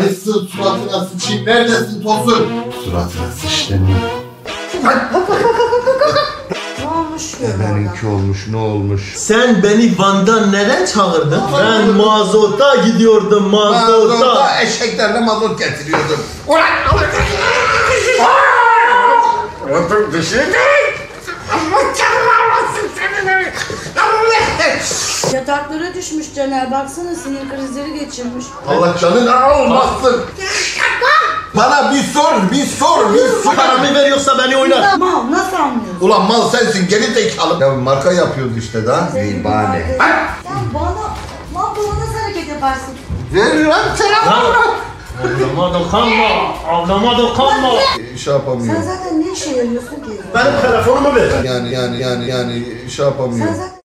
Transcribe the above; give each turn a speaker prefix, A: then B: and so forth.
A: Karışsın suratına sıçayım. Neredesin Tosun? Suratına sıçtın.
B: Ne olmuş ya?
A: Benimki olmuş, ne olmuş?
C: Sen beni Van'dan neden çağırdın? Ben mazota gidiyordum, mazota.
A: Eşeklerle mazot getiriyordum.
D: Otur bir şey değil. Allah canlanmasın seni.
B: Yataklara düşmüş Caner. Baksana sinir krizleri geçirmiş.
A: Allah canını almasın. Bana bir sor.
C: Paramı veriyorsa beni oynar.
B: Mal nasıl anlıyorsun?
A: Ulan mal sensin, geri zekalı. Ya marka yapıyoruz işte daha. Zibane.
B: Sen bana nasıl hareket yaparsın?
A: Ver lan selam.
C: Ablama dokunma, ablama dokunma.
A: Şey yapamıyor.
B: Sen zaten ne işe yarıyorsun ki?
C: Benim telefonumu ver.
A: Yani şey yapamıyor.
B: Sen zaten